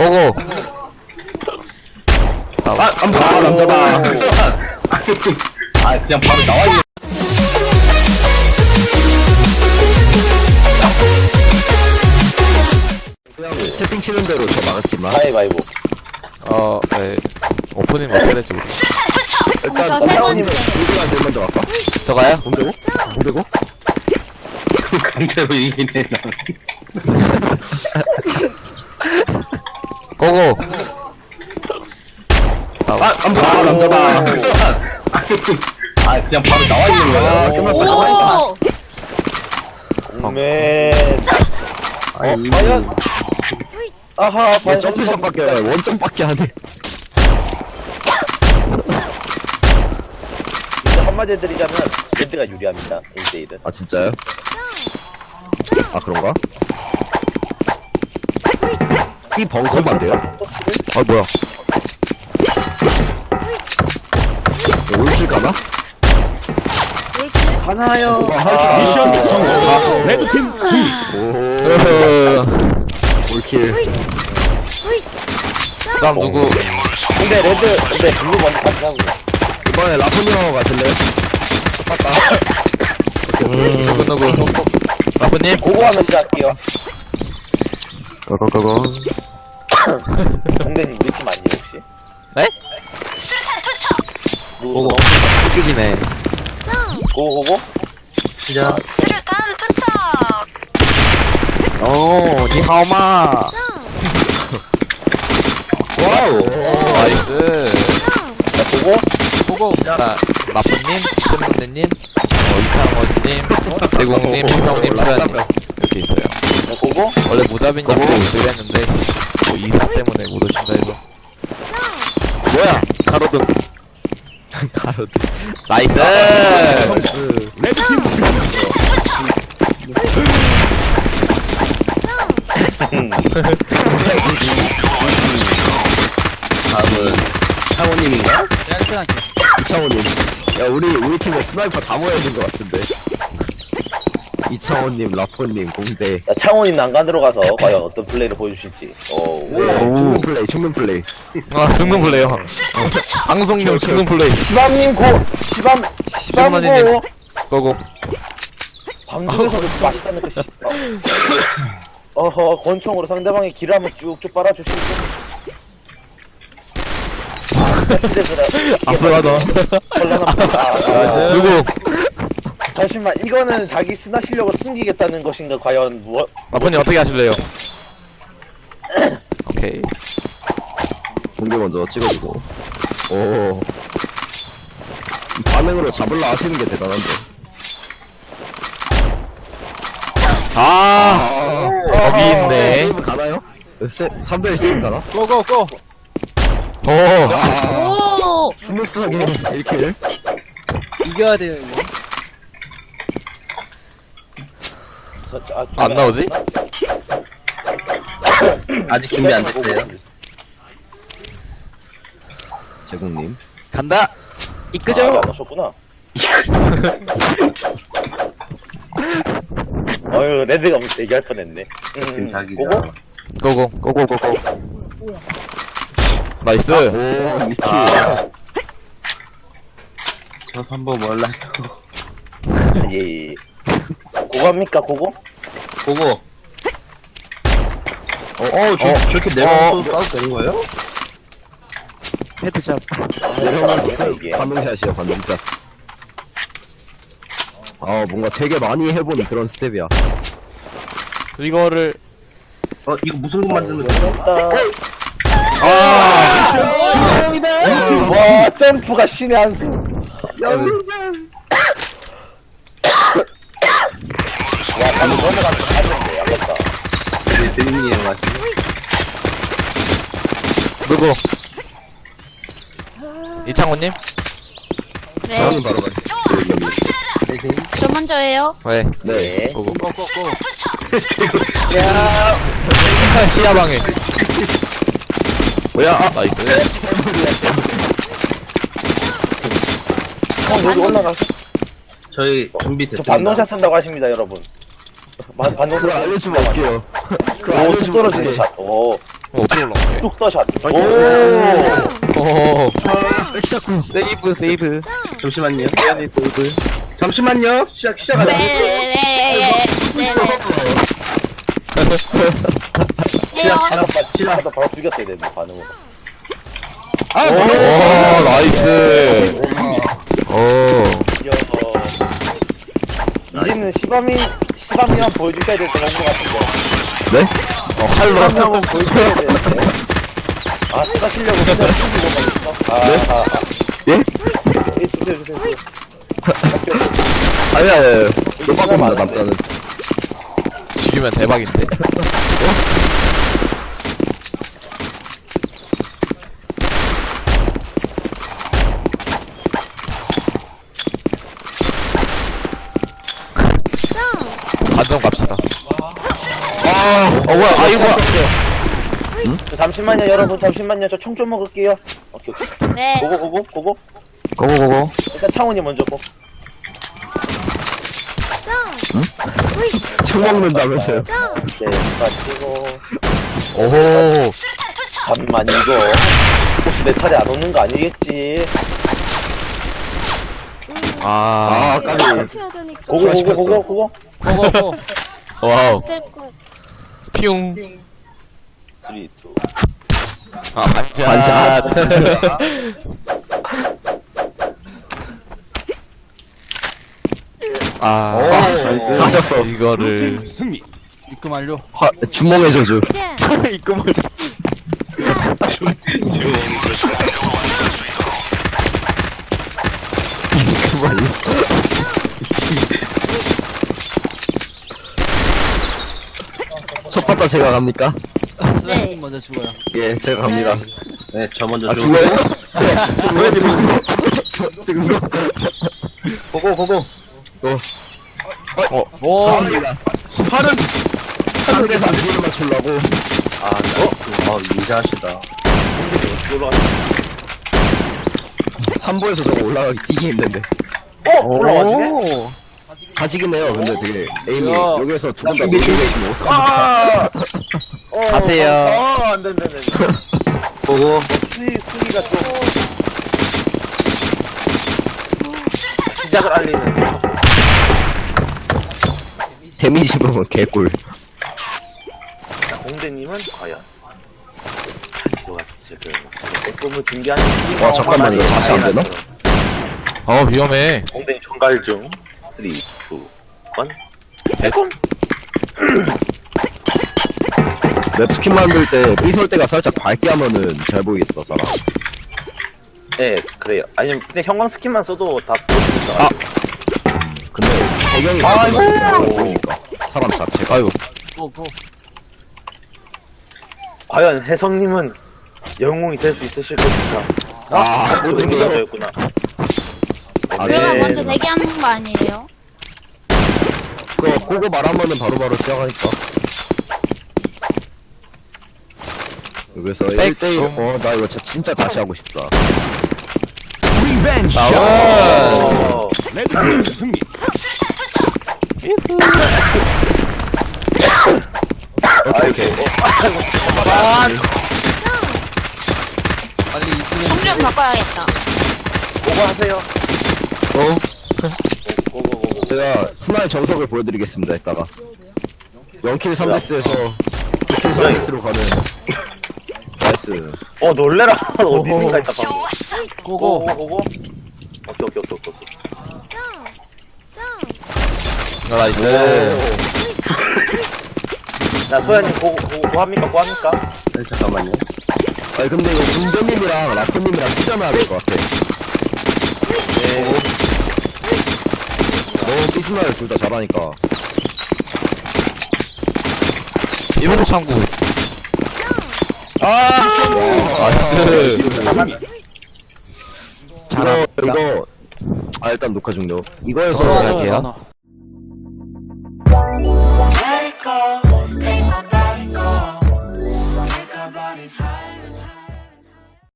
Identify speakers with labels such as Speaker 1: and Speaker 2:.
Speaker 1: 고고.
Speaker 2: 남자다. 그냥 바로 나와있네.
Speaker 3: 그냥 채팅 치는 대로 저 막았지만
Speaker 2: 가위바위보.
Speaker 1: 네. 오프닝 어떻게 될지 모르겠어.
Speaker 3: 일단
Speaker 4: 저 세
Speaker 3: 사원님은
Speaker 4: 번째.
Speaker 3: 누구가 제일 먼저 갈까?
Speaker 1: 저가요?
Speaker 3: 공대고? 공대고?
Speaker 2: 강제로 이기네.
Speaker 1: 고고.
Speaker 2: 남자다. 그냥 바로 나와있는 거야.
Speaker 4: 오!
Speaker 2: 오메. 과연? 아하,
Speaker 3: 얘 점프샷밖에 안 해. 원점밖에 안 해.
Speaker 2: 이제 한마디 해드리자면 레드가 유리합니다. 1대1은.
Speaker 3: 아 진짜요? 아 그런가? 이 벙커만 돼요?
Speaker 1: 아 뭐야?
Speaker 3: 올킬 가나?
Speaker 2: 하나요.
Speaker 5: 미션 성공. 레드팀 승리.
Speaker 1: 으흐.
Speaker 3: 올킬.
Speaker 1: 다음 누구?
Speaker 2: 근데 블루 먼저 가자고.
Speaker 3: 이번에 라푼이랑 같은데?
Speaker 1: 누구? 라프님?
Speaker 2: 고고하면 시작할게요.
Speaker 1: 고고고고.
Speaker 2: 동대님 우리 팀 아니에요 혹시?
Speaker 1: 네?
Speaker 2: 누구?
Speaker 1: 웃기지네.
Speaker 2: 고고고?
Speaker 1: 시작.
Speaker 4: 수류탄 투척!
Speaker 1: 오, 니하오마.
Speaker 3: 와우.
Speaker 1: 나이스.
Speaker 2: 자 고고?
Speaker 1: 고고. 자, 라프님, 신문대님, 이창원님, 제공님, 희성님, 수현님 이렇게 있어요.
Speaker 2: 자 고고?
Speaker 1: 원래 무자빈 옆에 오시려 했는데 뭐 이사 때문에 못 오신다 해서. 뭐야? 가로등. 가로등. 나이스.
Speaker 5: 레드팀 승리.
Speaker 3: 다음은 창호님인가? 이창호님. 야 우리 팀에 스나이퍼 다 모여있는 것 같은데. 이창호님, 라포님, 공대.
Speaker 2: 자 창호님 난간으로 가서 과연 어떤 플레이를 보여주실지.
Speaker 3: 죽는 플레이, 죽는 플레이.
Speaker 1: 아, 죽는 플레이요. 방송용 죽는 플레이.
Speaker 2: 시밤님 고!
Speaker 1: 시밤님.
Speaker 2: 고!
Speaker 1: 고고.
Speaker 2: 방송에서 그렇게 맛있다는 그 어허 권총으로 상대방의 길을 한번 쭉쭉 빨아주시고.
Speaker 1: 아슬하다. 누구?
Speaker 2: 잠시만 이거는 자기 스나 실력을 숨기겠다는 것인가 과연 무엇?
Speaker 1: 아버님 어떻게 하실래요? 오케이.
Speaker 3: 공대 먼저 찍어주고. 오. 반응으로 잡으려 하시는 게 대단한데.
Speaker 1: 저기 있네.
Speaker 3: 세이브 가나요? 3대1 세이브 가나?
Speaker 5: 고고고.
Speaker 1: 오.
Speaker 4: 오!
Speaker 3: 스무스하게 1킬.
Speaker 5: 이겨야 돼요 이거.
Speaker 1: 안 나오지?
Speaker 2: 아직 준비 안 됐어요.
Speaker 3: 제국님.
Speaker 1: 간다.
Speaker 2: 안 오셨구나. 어휴 레드가 무슨 얘기할 뻔했네. 고고?
Speaker 1: 고고. 고고고고. 나이스.
Speaker 3: 오, 미치.
Speaker 2: 저 한번 몰라요. 예. 고고합니까 고고? 고고. 저렇게 내려가서 싸도 되는 거예요?
Speaker 1: 헤드샷.
Speaker 2: 이게.
Speaker 3: 반동샷이야, 반동샷. 아, 뭔가 되게 많이 해본 그런 스텝이야.
Speaker 1: 이거를
Speaker 2: 이거 무슨 거 만드는 거야? 와 점프가 신의 한 수. 와 방금 넘어가는 거 봤는데 아깝다. 대리님이 맞지?
Speaker 1: 누구? 이창호님?
Speaker 4: 네.
Speaker 3: 저는 바로 가.
Speaker 4: 저 먼저 해요.
Speaker 1: 왜?
Speaker 3: 네.
Speaker 1: 고고.
Speaker 2: 야.
Speaker 1: 시야방해. 뭐야? 나이스.
Speaker 2: 여기 올라가서.
Speaker 6: 저희 준비됐습니다.
Speaker 2: 저 반동샷 쓴다고 하십니다 여러분. 반동샷.
Speaker 3: 그거 알려주면 어떡해요. 그거
Speaker 2: 오, 툭
Speaker 3: 알려주면
Speaker 2: 떨어지는
Speaker 3: 어떡해.
Speaker 2: 샷. 오.
Speaker 1: 어떻게 올라오게?
Speaker 2: 뚝서샷. 오.
Speaker 1: 오,
Speaker 3: 백샷구.
Speaker 1: 세이브.
Speaker 6: 잠시만요.
Speaker 1: 세이브.
Speaker 6: 잠시만요. 시작하자.
Speaker 4: 네네네네네. 해요.
Speaker 2: 시작하다 바로 죽였어야 되는데, 반응으로.
Speaker 6: 아,
Speaker 1: 오, 나이스. 오,
Speaker 2: 이제는 시바미만 보여주셔야 될 때가 한것 같은데.
Speaker 1: 네? 칼로.
Speaker 2: 시바미만 보여주셔야 되는데. 아, 스나 실력은 그냥 숨기고 가겠어?
Speaker 1: 예?
Speaker 2: 주세요.
Speaker 3: 아니야, 똑바꾸입니다, 남자는.
Speaker 1: 죽이면 대박인데. 관전 갑시다. 뭐야, 이거.
Speaker 2: 잠시만요, 여러분. 잠시만요. 저 총 좀 먹을게요. 오케이.
Speaker 4: 네.
Speaker 2: 고고.
Speaker 1: 고고.
Speaker 2: 일단 창훈이 먼저 고.
Speaker 3: 총 먹는다면서요.
Speaker 2: 네, 빠지고.
Speaker 1: 오호.
Speaker 2: 잠만, 이거. 혹시 내 차례 안 오는 거 아니겠지?
Speaker 3: 까비.
Speaker 2: 고고.
Speaker 5: 고고.
Speaker 1: 와우. 피웅.
Speaker 2: 3, 2.
Speaker 1: 반샷.
Speaker 3: 나이스. 가셨어.
Speaker 1: 이거를.
Speaker 5: 승리. 입금 완료.
Speaker 3: 주몽의 저주.
Speaker 1: 입금을.
Speaker 3: 첫 바타 제가 갑니까?
Speaker 4: 네.
Speaker 5: 먼저 죽어요.
Speaker 3: 예, 제가 갑니다.
Speaker 6: 네, 저 먼저
Speaker 3: 아,
Speaker 6: 좀.
Speaker 3: 죽어요? 지금 거?
Speaker 6: 고고.
Speaker 5: 오.
Speaker 3: 맞습니다. 팔은 상대에서 안 죽을 맞추려고.
Speaker 6: 인자하시다.
Speaker 3: 3보에서 저거 올라가기 되게 힘든데.
Speaker 2: 올라와주게?
Speaker 3: 가지긴 해요. 근데 되게 에임이
Speaker 5: 야.
Speaker 3: 여기서 두 분 다 놀고 계시면 어떡합니까?
Speaker 1: 가세요.
Speaker 2: 안 돼.
Speaker 6: 고고.
Speaker 2: 수위가 좀. 시작을 알리는.
Speaker 3: 데미지 보면 개꿀.
Speaker 2: 자, 공대님은 과연. 꿈을 준비하는.
Speaker 3: 와, 잠깐만, 이거 다시 안 되나?
Speaker 1: 위험해.
Speaker 2: 공대님 총갈 중. 3, 2, 1. 대검.
Speaker 3: 맵스킨 만들 때 삐설 때가 살짝 밝게 하면은 잘 보이겠다, 사람.
Speaker 2: 네, 그래요. 아니면 그냥 형광 스킨만 써도 다 보여주니까.
Speaker 3: 근데 배경이
Speaker 2: 아이고.
Speaker 3: 안 보이니까 사람 자체가.
Speaker 1: 아이고.
Speaker 5: 고고.
Speaker 2: 과연 혜성님은 영웅이 될 수 있으실 것인가?
Speaker 3: 모든
Speaker 2: 의미가
Speaker 3: 게
Speaker 2: 저였구나.
Speaker 3: 아,
Speaker 4: 우리가
Speaker 3: 네.
Speaker 4: 먼저 대기하는 거 아니에요?
Speaker 3: 그거 말하면은 바로바로 시작하니까. 여기서 1대1. 나 이거 진짜 다시 하고 싶다.
Speaker 5: 리벤지.
Speaker 2: 어,
Speaker 5: 레드팀 승리.
Speaker 3: 오케이.
Speaker 5: 빨리 이지는.
Speaker 4: 성적 바꿔야겠다.
Speaker 2: 그거 하세요. 고고고고.
Speaker 3: 제가 스나의 정석을 보여드리겠습니다, 이따가. 0킬 3데스에서 2킬 3데스로 가는. 나이스.
Speaker 2: 놀래라. 어디인가 있다, 방금.
Speaker 5: 고고.
Speaker 2: 고고. 오케이.
Speaker 1: 나이스.
Speaker 2: 자, 소야님, 고 합니까?
Speaker 6: 네, 잠깐만요.
Speaker 3: 아니, 근데 이거 문대님이랑 라프님이랑 찢어놔야 될 것 같아. 너무 삐스나를 둘 다 잘하니까.
Speaker 1: 일본 창구. 나이스.
Speaker 3: 이거, 일단 녹화 중요. 이거에서
Speaker 1: 어, 할게요.
Speaker 7: Let it go, make my body go. Make our bodies high.